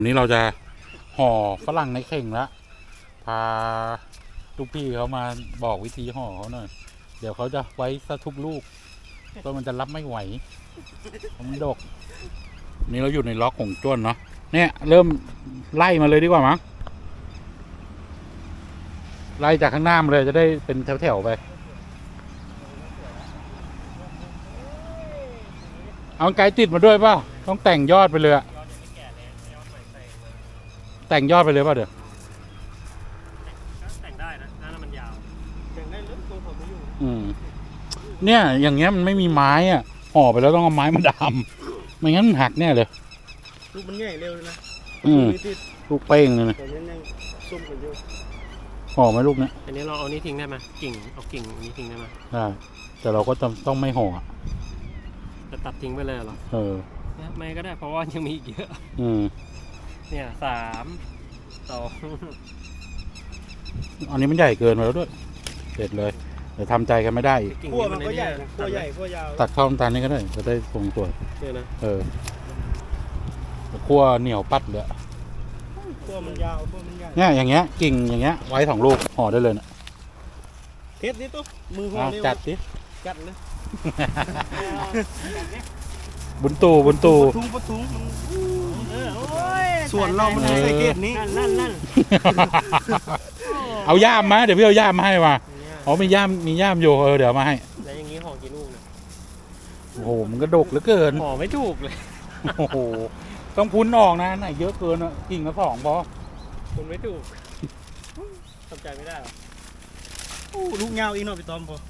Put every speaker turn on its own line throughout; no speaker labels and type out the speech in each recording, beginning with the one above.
วันนี้เราจะห่อฝรั่งในเข่งแล้วพาลูกพี่เขามาบอกวิธีห่อเขาหน่อยเดี๋ยวเขาจะไว้ซะทุกลูกเพราะมันจะรับไม่ไหวมันดกนี่เราอยู่ในล็อกของจ้วนเนาะเนี่ยเริ่มไล่มาเลยดีกว่ามั้งไล่จากข้างหน้ามาเลยจะได้เป็นแถวๆไปเอาไกด์ติดมาด้วยป่ะต้องแต่งยอดไปเลยอะแต่งยอดไปเลยป่ะเดี๋ยว
แต่งได้นะหน้ามันยาวแต่งได้เลยตัวผมไม่อยู่
เนี่ยอย่างเงี้ยมันไม่มีไม้อ่ะห่อไปแล้วต้องเอาไม้มาดามไม่งั้นมันหักแน่เลย
ลูกมันใหญ่เร็วเลยนะ
ลูกเป้งเลยนะ
แต่ยังส้มกันอยู่
ห่อไหมลูกเนี้ย
อันนี้เราเอานี้ทิ้งได้ไหมกิ่งเอากิ่งนี้ทิ้งได้ไหม
ได้แต่เราก็ต้องไม่ห่อ
จะตัดทิ้งไปเลยเหรอไม่ก็ได้เพราะว่ายังมีอีกเยอะเนี่ย3 2
อันนี้มันใหญ่เกินไปแล้วด้วยเสร็จเลยเดี๋ยวทำใจกันไม่ได้อีก
ขั้วมันก็ใหญ่ขั้วใหญ่ขั้วยาว
ตัดเข้าน้ำตาลนี่ก็ได้จะได้ทรงสวย
เนี่ยนะ
ขั้วเหนียวปัดเลย
ขั้วมันยาวขั้วมันใหญ่
เนี่ยอย่างเงี้ยกิ่งอย่างเงี้ยไว้2 ลูกห่อได้เลยนะ
เทสดิตุ๊มือห่อเร็ว
จัดดิ
จัดเลย
บุญตู
ปะทุงส่วนเรามันใส่เกตนี้นั่น
เอาย่ามมาเดี๋ยวพี่เอาย่ามมาให้มามีย่ามอยู่เดี๋ยวมาให้
แล้วอย่างนี้ห่อกี่ลูกเนี่ย
โอ้โหมันก็ดกเหลือเกิน
ห่อไม่ถูกเลย
โอ้โหต้องพุ้นออกนะไหนเยอะเกินอ่ะกิ่งละ2พอ
พุ้นไม่ถูกทำใจไม่ได้หรอลูกยาวอีกหน่อยไปตอมพอ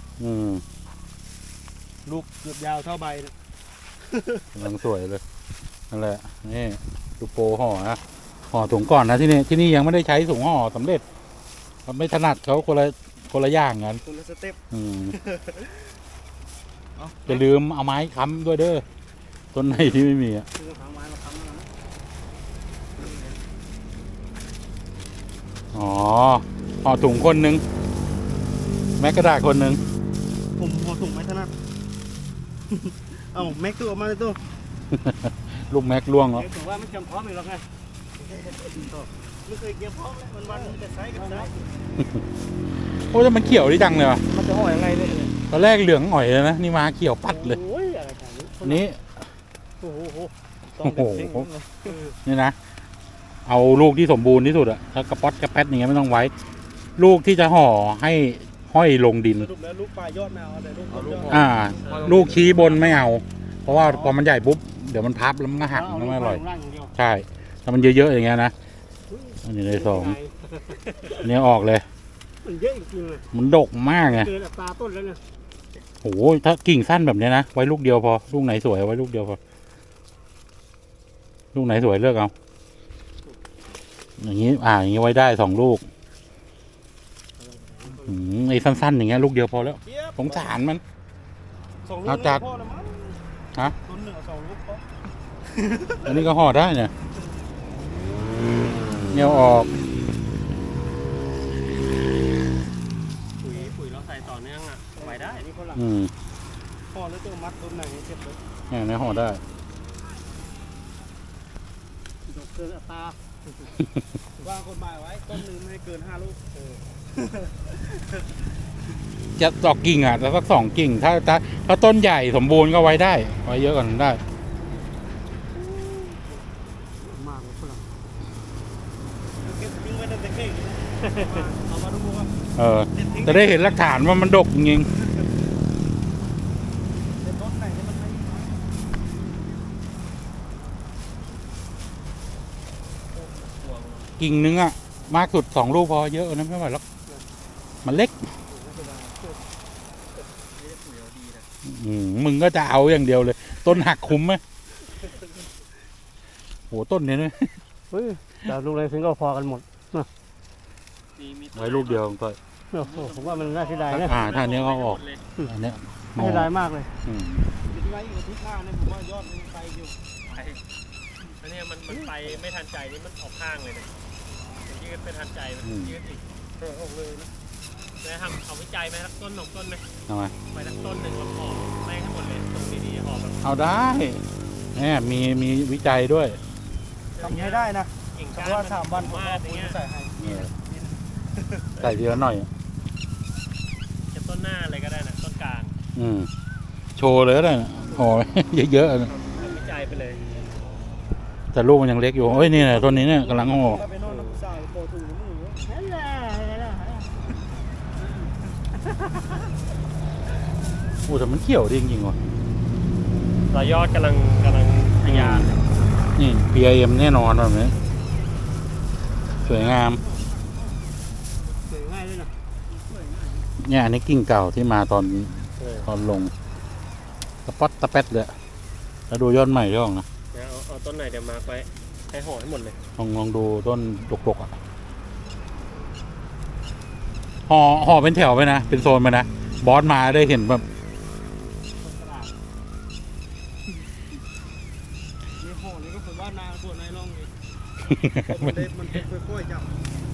ลูกเกือบยาวเท่าใบ
กำลังสวยเลยนั่นแหละนี่ดูโปห่อนะห่อถุงก่อนนะที่นี่ยังไม่ได้ใช้ถุงห่อสำเร็จไม่ถนัดเขาคนละอย่างกัน
คนละสเต็ป
อย่าลืมเอาไม้ค้ำด้วยเด้อต้นไหนที่ไม่มีอ่ะห่อถุงคนนึงแม็กกระดาษคนนึง
ผมห่อถุงไม่ถนัดเอาแม็กตัวออกมาเลยตัว
ลูกแม็กล่วงแล้ว
ถือว่ามันจำพร้อมอยู่แล้วไงไม่เคยเกี่ยวพร้อมเลยวันๆจะใช้กันได้
โอ้แต่มันเขียวดีจังเลยวะ
มันจะห่อยังไงเนี่ย
ตอนแรกเหลืองอ่อยเลยนะนี่มาเขียวปัดเลยนี้
โอ้
โหนี่นะเอาลูกที่สมบูรณ์ที่สุดอะถ้ากระป๊อดกระแป๊ดอย่างเงี้ยไม่ต้องไว้ลูกที่จะห่อให้ห้อยลงดิน
ลูกปลายยอดไม่เอาแต่
ลูกชี้บนไม่เอาเพราะว่าพอมันใหญ่ปุ๊บเดี๋ยวมันพับแล้วมันก็หักมันไม่อร่อยใช่ถ้ามันเยอะๆอย่างเงี้ยนะอันนี้เลย2อันนี้ออกเลย
มันเยอะจริงเลย
มันดกมากไง
เกินตาต้นแล้วเนี่ย
โอ้โหถ้ากิ่งสั้นแบบนี้นะไว้ลูกเดียวพอลูกไหนสวยไว้ลูกเดียวพอลูกไหนสวยเลือกเอาอย่างนี้อย่างนี้ไว้ได้2 ลูกไอ้สั้นๆอย่างเงี้ยลูกเดียวพอแล้วสงสารมัน
เอาจัด
ฮะอันนี้ก็ห่อได้เนี่ยเนียวออก
ปุ๋ยเราใส่ต่อเนื่องอ่ะไว้ได้นี่คนละห่อแล้วตัวมัดต้นไหนเจ็บเลย
เนี่ยห่อได้
เกินอัตราว่างกฎหมายไว้ต้นนึงไม่ให้เกิน5 ลูก
จะดอกกิ่งแต่สัก2 กิ่งถ้าต้นใหญ่สมบูรณ์ก็ไว้ได้ไว้เยอะกว่านั้นได้
มากเลยฝรั่งเก็บทิ้งไว้ตั้งแต่เก่งเอามาดูว่า
จะได้เห็นหลักฐานว่ามันดกจริงกิ่งนึงมากสุด2 ลูกพอเยอะนะไม่ไหวหรอกมันเล็กมึงก็จะเอาอย่างเดียวเลยต้นหักคุ้มไหมโหต้นนี้เนี่ย
แต่ลูกอะไรถึงก็พอกันหมด
ไว้ลูกเดียวก็
ผมว่ามันน่าเสียดายนะ
ท่านี้ก็ออกอันนี้
เสียดายมากเลยไว้อยู่ที่ข้างนี่ผมว่ายอดมันไปอยู่อันนี้มันไปไม่ทันใจนี่มันออกข้างเลยเนี่ยยืดไม่ทันใจมันยืดอีกออกเลยนะจะทำเอาวิจัยไหมครับต้น2 ต้นไหม
ทำไม
ไปทั้งต้นหนึ่งแล้วห่อแม่งให้หมดเลยตรงดีๆห่อแบบ
เอาได้เนี่ยมีวิจัยด้วย
ทำให้ได้นะ
กิ่ง
เพ
ก้าน
ราะว่า
มัน
3 วันผม
มา
เอา
กอ
ปุ๋
ย่าย งเงี้ย
ใส่ให้
ใส่ทีละหน่อย
จะต้นหน้าอะไรก็ได้นะต้นกลาง
โชว์เลยก็ได้นะห่อ เยอะๆนะ
ทำวิจัยไปเลย
แต่ลูกมันยังเล็กอยู่เอ้ยนี่แหละต้นนี้เนี่ยกำลังห่อ
ถ้าไปนอนกับผู้สาวโตถุงมือ
โอ้แต่มันเขียวดีจริงๆว่ะ
รอยยอดกำลังทะยาน
นี่ PIM แน่นอนแบบนี้สวยงาม
สวยง่ายเลยนะ
เนี่ยอันนี้กิ่งเก่าที่มาตอน
เออ
ลงตะป๊อดตะแป๊ดเลยแล้วดูยอดใหม่ด้วยนะ
เดี๋ยวเอาต้นไหนเดี๋ยวมาร์คไว้ให้ห่อให้หมดเลย
ลองดูต้นดกๆอ่ะห่อเป็นแถวไปนะ เป็นโซนไปนะ บอสมาได้เห็นแบบ
นี่ห่อนี่ก็คนว่านาส่วนในร่องนี่มันเป็นค่อยๆจับ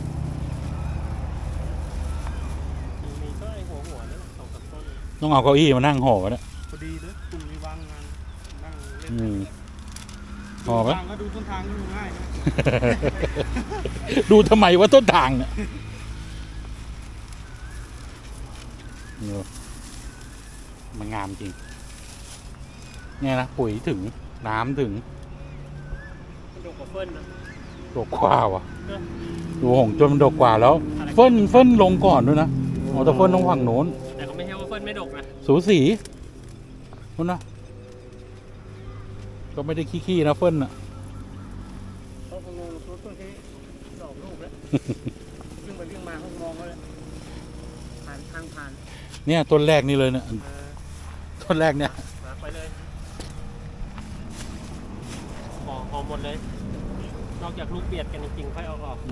มีก็ไอหัวนี่2-3ต้น
ต้องเอาเก้าอี้มานั่งห่อเนี่ย
พอดีเลยกลุ่มนี้วางงานนั่งเล่น
ห่อปะ
ทางก็ดูต้นทางดูง่ายนะ
ดูทำไมว่าต้นทางเนี่ยมันงามจริง เนี่ยนะปุ๋ยถึงน้ำถึง
มันดกกว่าเฟิร์นนะ
ดกกว่าว่ะ ดูหงจนมันดกกว่าแล้ว เฟิ่นลงก่อนด้วยนะอ๋อแต่เฟิ่นต้องฝั่งโน้น
แต่ก็ไม่ใช่ว่าเฟิร์นไม่ดกนะ
สูสีนู้นนะก็ไม่ได้ขี้ๆนะเฟิ่นอ่ะ
เขาคงงงตัวต้นแค่ดอกลูกแล้วเรื่องไปเรื่องมาเขามองเขาเลยผ่านทางผ่าน
เนี่ยต้นแรกนี่เลยเนี่ยต้นแรกเนี่ย
มาร์คไปเลยห่อหมดเลย นอกจากลูกเบียดกันจริงๆค่อยเอาออก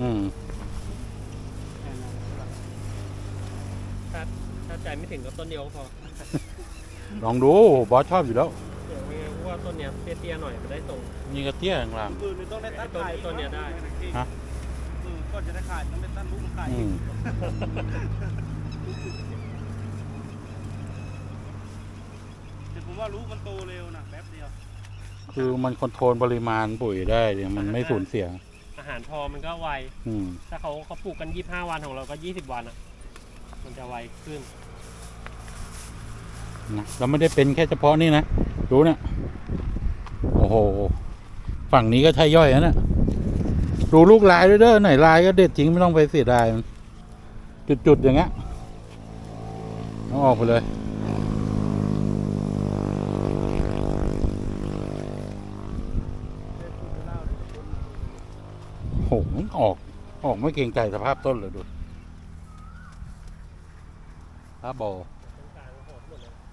ถ้าใจไม่ถึงก็ต้นเดียวก็พอ
ลองดูบอสชอบอยู่แล้ว
เดี๋ยวไม่งั้นเพราะว่าต้นเนี้ยเตี้ยๆหน่อยมันได้ทรง
นี่กระเตี้ยข้างล่าง
ปืนต้องได้ตัดขาย
ต้นเนี่ยได้
ฮะ
ก็จะได้ขายต้องได้ตัดลูกขาย
อืม
แต่ผมว่าลูกมันโตเร็วนะแป๊บเดียว
คือมันคอนโทรลปริมาณปุ๋ยได้เนี่ยมันไม่สูญเสีย
อาหารพอมันก็ไว
อืม
ถ้าเขาปลูกกัน25 วันของเราก็20 วันอ่ะ มันจะไวขึ้น
นะเราไม่ได้เป็นแค่เฉพาะนี่นะดูเนี่ยโอ้โหฝั่งนี้ก็ใช่ย่อยนะเนี่ยดูลูกลายด้วยเด้อไหนลายก็เด็ดจริงไม่ต้องไปเสียดายมันจุดๆอย่างเงี้ยเอาออกไปเลยโอ้โหมันออกไม่เกรงใจสภาพต้นเลยดูถ้าบอ
ตรงกลางโหดหมดเลย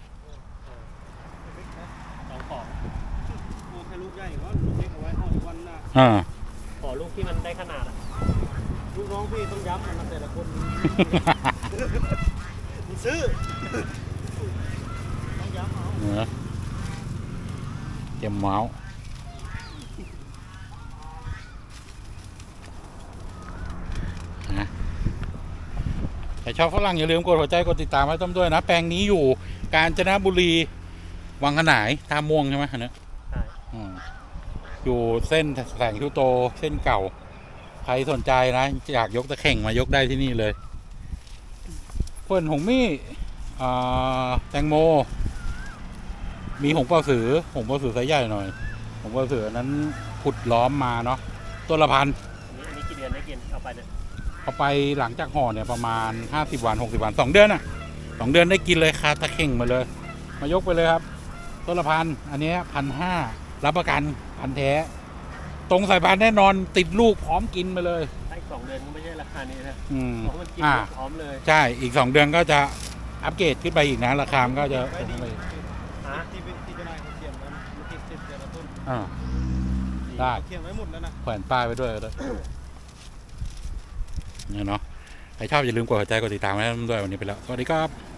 สองของ
โอ้แค่ลูกใหญ่ก็ลูกเล็กเอาไว้ห่ออีกวันน่ะ
ขอลูกที่มันได้ขนาดอ่ะ
ลูกน้องพี่ต้องย้ำนะแต่ละคนมันซื้อต้องย้ำเอา
เนื้อเจ็มเมาส์นะใครชอบฝรั่งอย่าลืมกดหัวใจกดติดตามไว้ต้มด้วยนะ แปลงนี้อยู่กาญจนบุรีวังขนายท่าม่วงใช่ไหมอันเนี้ย
ใช่
อยู่เส้นแสงทิวโตเส้นเก่า ใครสนใจนะ อยากยกตะเข่งมายกได้ที่นี่เลยเพื่อนหงมี่แตงโม มีหงเป่าสือไซส์ใหญ่หน่อยหงเป่าสือนั้นขุดล้อมมาเนาะต้นละพัน
อันนี้กี่เดือนได้กินเอาไปเนี่ย
เอาไปหลังจากห่อเนี่ยประมาณ50 วัน60 วัน2 เดือนอ่ะ2 เดือนได้กินเลยคาตะเข่งมาเลย มายกไปเลยครับต้นละพันอันนี้1,500รับประกันพันแท้ ตรงสายพันธุ์แน่นอนติดลูกพร้อมกินไปเลย
ถ้าอีก2 เดือนก็ไม่ใช่ราคานี้นะ
อืม
เพราะมันกินพร้อมเลย
ใช่อีก2 เดือนก็จะอัปเกรดขึ้นไปอีกนะราคามันก็จะ
ไว้ดี
ไป
ที่จะนายเขาเขียนไว้มันติดแต่ละต้น
อ่า ได้
เขียนไว้หมดแล้วนะ
แขวนป้ายไปด้วยก็ได้เนี่ยเนาะใครชอบอย่าลืมกดหัวใจกดติดตามไว้ด้วยวันนี้ไปแล้วสวัสดีครับ